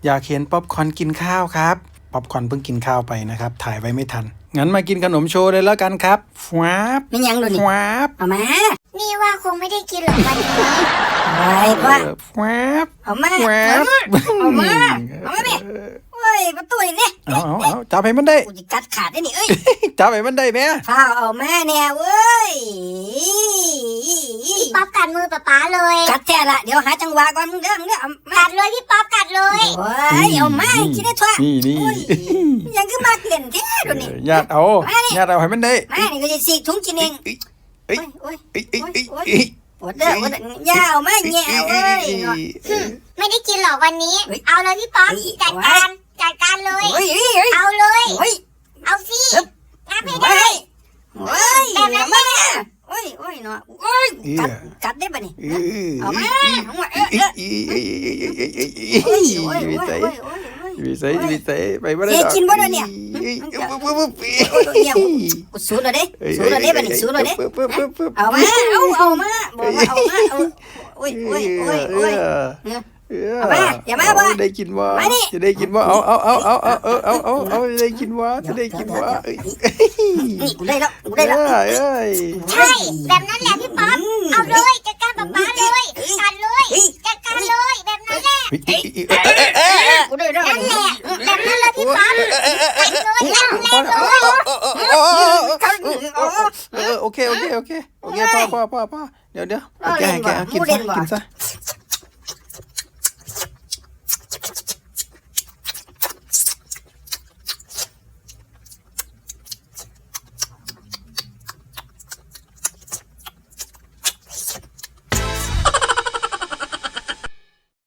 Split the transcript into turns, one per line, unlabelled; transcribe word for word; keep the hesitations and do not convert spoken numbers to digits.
อยากเห็นป๊อปคอร์นกินข้าวครับป๊อปคอร์นเพิ่งกินข้าวไปนะครับถ่ายไว้ไม่ทันงั้นมากินขนมโชว์เลยแล้วกันครับฟวาบ
นี่ยังดูนี่
ฟวาบ
เอามา
นี่ว่าคงไม่ได้กินหรอกวันนี้
ไปพ่อ
ฟวาบ
เอามา
ฟวาบ
เอามาเอามาดิโอ้ยประตูนี่
เอาเอาเอาจับให้มันได้
กูจะกัดขาดได้นี่เอ้ย
จับให้มันได้แม่
ข้าวเอามาเนี่ยเว้ย
พี่ป๊อปกัดมือป๊าป๊าเลย
กัดแท้ละเดี๋ยวหาจังหวะก่อนมึงเด้อมึงเด้อเอามา
กัดเลยพี่ป๊อปกัดเลย
โอ้ยเอามากินได้ทั่ว
นี่นี่
โอ้ยยังคือมากเล่นแท้ดูนี่
ญาติเอาญาติเอาให้มันได้
มานี่ก็จะสีกถุงกินเอง
เอ้ย
โอ้ย
เอ้ยเอ้ย
โอ้ย
เอ้ย
โอ้ย
เอ้ย
ปวดเด้อปวดเด้อย่าเอามาแง่เอาเอ้ยเนาะ
ไม่ได้กินหรอกวันนี้
เฮ้ย
เอาเลยพี่ป๊อป
เฮ้ย
จัดการจัดการเลย
โอ้ยเฮ้ยเฮ้ย
เอาเลย
เฮ้ย
เอาสิงับให้
โอ้
ได้
ยโอ้ย
แบบนั้น
มาเนี่ยโอ้ยโอ้ยเนาะโอ้ยกัดกัดได้ปะนี่
เอ้ย
เอามาเอามาเออ
เอ้
เอย อ
เอ้ยเอ้ยเอ้ยเอ้ยเอ้ยเอ้ย
โอ้ย
เอ้ย
โอ้ย
วิ
โอ้ย
สัย
โอ้ยโอ้ยโอ้ย
วิสัยวิสัยไปบ่ได้
เฮ้ยกินบ่ได้เนี่ย
เอ้ย
มันจะ
ปึ๊บปึ๊บปึ๊บ
โอ้ยเนี่ยกูสูดเลยเด้สูดเลยเด้ปะนี่สูดเลยเด้
ปึ๊บปึ๊บปึ๊บปึ๊บ
เอามาเอาเอามาบอกว่าเอามาเอาโอ้ยโอ้ยโอ้ยโอ้ยเนี่ย เอามาอย่ามาบ่
ได้กินบ่
มานี่
จะได้กินบ่เอาเอาเอาเอาเอาเอาเอาเอาเอาจะได้กินบ่จะได้กินบ่เอ้ย
นี่กูได้แล้วกูได้แล้ว
เอ้ยเอ้ย
ใช่แบบนั้นแหละพี่ป๊อปเอาเลยจัดการป๊าป๊าเลยกัดเลยจัดการเลยแบบนั้นแหละ
เอ้ยเอ้ยเอ้ยเอ้ยเอ้ย
กูได้แล้ว
นั่นแหละแบบนั้นเลยพี่ป๊อปกัดเลยกัดแรงเลย
เออโอเคโอเคโอเคโอเคพ่อพ่อพ่อพ่อเดี๋ยวเดี๋ยวแกแกกินซะกินซะ